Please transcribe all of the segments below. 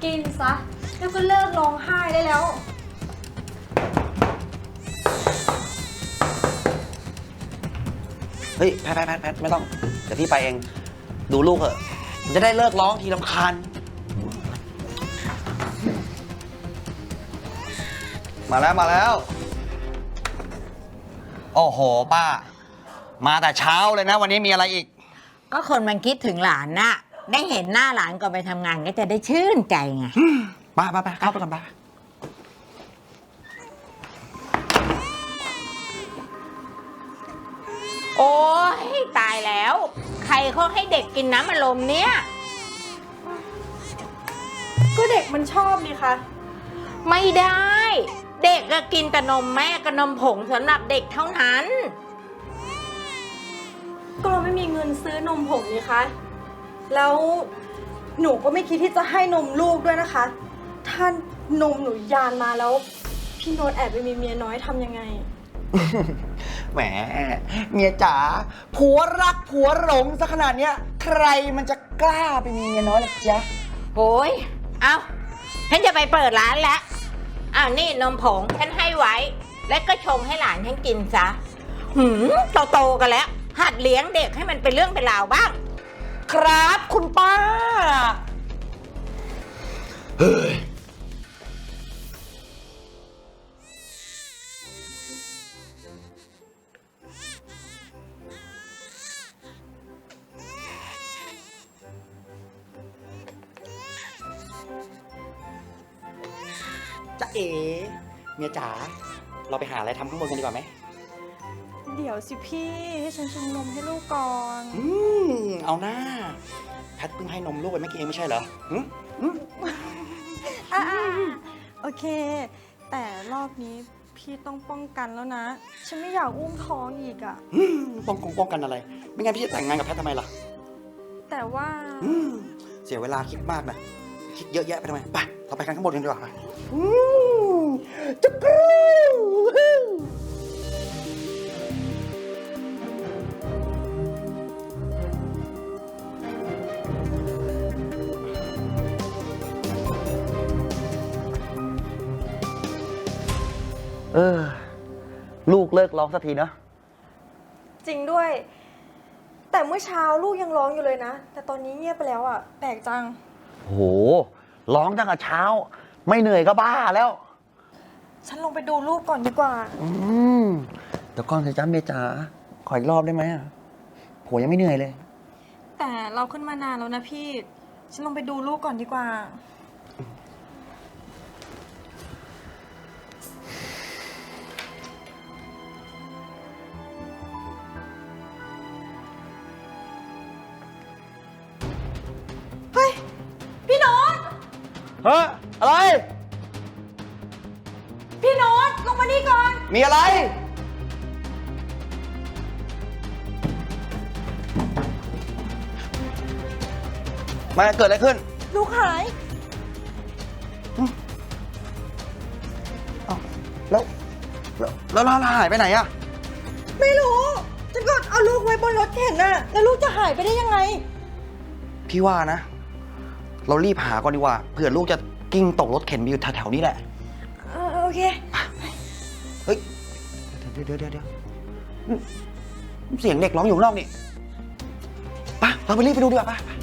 กินซะแล้วก็เลิกร้องไห้ได้แล้วเฮ้ยแพทไม่ต้องเดี๋ยวพี่ไปเองดูลูกเถอะจะได้เลิกร้องทีรำคาญมาแล้วโอ้โหป้ามาแต่เช้าเลยนะวันนี้มีอะไรอีกก็คนมันคิดถึงหลานน่ะได้เห็นหน้าหลานก่อนไปทำงานก็จะได้ชื่นใจไงป้าเข้าไปก่อนป้าโอ้ยตายแล้วใครเขาให้เด็กกินน้ำอัดลมเนี่ยก็เด็กมันชอบนี่คะไม่ได้เด็กก็กินแต่นมแม่กับนมผงสำหรับเด็กเท่านั้นก็เราไม่มีเงินซื้อนมผงนี่คะแล้วหนูก็ไม่คิดที่จะให้นมลูกด้วยนะคะถ้านมหนูยานมาแล้วพี่โน้ตแอบไปมีเมียน้อยทำยังไงแหมเมียจ๋าผัวรักผัวหลงซะขนาดเนี้ยใครมันจะกล้าไปมีเมียน้อยล่ะจ๊ะโอ้ยเอาฉันจะไปเปิดร้านแล้วอ้าวนี่นมผงฉันให้ไว้แล้วก็ชงให้หลานฉันกินซะโตกันแล้วหัดเลี้ยงเด็กให้มันเป็นเรื่องเป็นราวบ้างครับคุณป้าเฮ้ยจ๊ะเอ๋เมียจ๋าเราไปหาอะไรทำข้างบนกันดีกว่าไหมเดี๋ยวสิพี่ให้ฉันชงนมให้ลูกก่อนเอาหน้าแพทเพิ่งให้นมลูกไปเมื่อกี้เองไม่ใช่เหรอโอเคแต่รอบนี้พี่ต้องป้องกันแล้วนะฉันไม่อยากอุ้มท้องอีกอ่ะป้องกันอะไรไม่งั้นพี่จะแต่งงานกับแพททำไมล่ะแต่ว่าเสียเวลาคิดมากนะคิดเยอะแยะไปทำไมไปเราไปกันข้างบนกันดีกว่าจุ๊กรูลูกเลิกร้องสักทีเนาะจริงด้วยแต่เมื่อเช้าลูกยังร้องอยู่เลยนะแต่ตอนนี้เงียบไปแล้วอ่ะแปลกจังโหร้องตั้งแต่เช้าไม่เหนื่อยก็บ้าแล้วฉันลงไปดูลูกก่อนดีกว่าเดี๋ยวก่อนสิจ้าเมียจ๋าขออีกรอบได้ไหมอ่ะโหยังไม่เหนื่อยเลยแต่เราขึ้นมานานแล้วนะพี่ฉันลงไปดูลูกก่อนดีกว่าเฮ้ยพี่โน้ตอะไรพี่โน้ตลงมานี่ก่อนมีอะไรมาเกิดอะไรขึ้นลูกหายแล้วเราหายไปไหนอะไม่รู้ฉันก็เอาลูกไว้บนรถเข็นน่ะแล้วลูกจะหายไปได้ยังไงพี่ว่านะเรารีบหาก่อนดีกว่าเผื่อลูกจะกิ้งตกรถเข็นไปอยู่แถวๆนี้แหละโอเคเฮ้ยเดี๋ยวเสียงเด็กร้องอยู่นอกนี่ไปเราไปรีบไปดูดีกว่าไป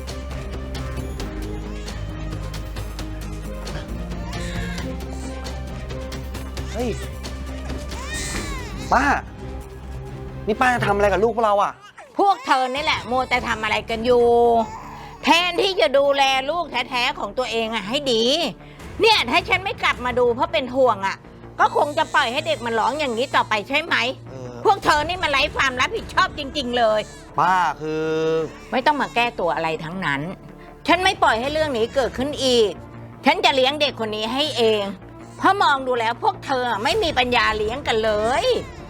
เฮ้ยป้านี่ป้าจะทำอะไรกับลูกพวกเราอ่ะพวกเธอนี่แหละมัวแต่ทำอะไรกันอยู่แทนที่จะดูแลลูกแท้ๆของตัวเองอะให้ดีเนี่ยถ้าฉันไม่กลับมาดูเพราะเป็นห่วงอะก็คงจะปล่อยให้เด็กมันร้องอย่างนี้ต่อไปใช่ไหมพวกเธอนี่มันไร้ความรับผิดชอบจริงๆเลยป้าคือไม่ต้องมาแก้ตัวอะไรทั้งนั้นฉันไม่ปล่อยให้เรื่องนี้เกิดขึ้นอีกฉันจะเลี้ยงเด็กคนนี้ให้เองเพราะมองดูแล้วพวกเธอไม่มีปัญญาเลี้ยงกันเลย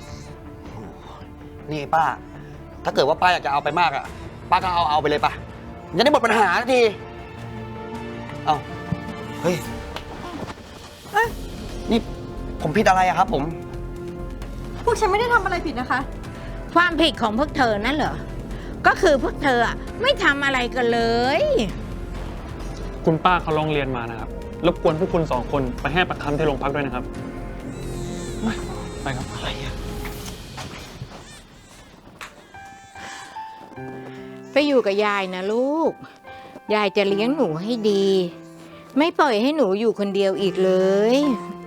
นี่ป้าถ้าเกิดว่าป้าอยากจะเอาไปมากอะป้าก็เอาไปเลยป่ะจะได้หมดปัญหาทีเอาเฮ้ยนี่ผมผิดอะไรอะครับผมพวกฉันไม่ได้ทำอะไรผิดนะคะความผิดของพวกเธอนั่นเหรอก็คือพวกเธอไม่ทำอะไรกันเลยคุณป้าเขาร้องเรียนมานะครับรบกวนพวกคุณ2 คนไปให้ปากคำที่โรงพักด้วยนะครับไปครับอะไรอะไปอยู่กับยายนะลูก ยายจะเลี้ยงหนูให้ดี ไม่ปล่อยให้หนูอยู่คนเดียวอีกเลย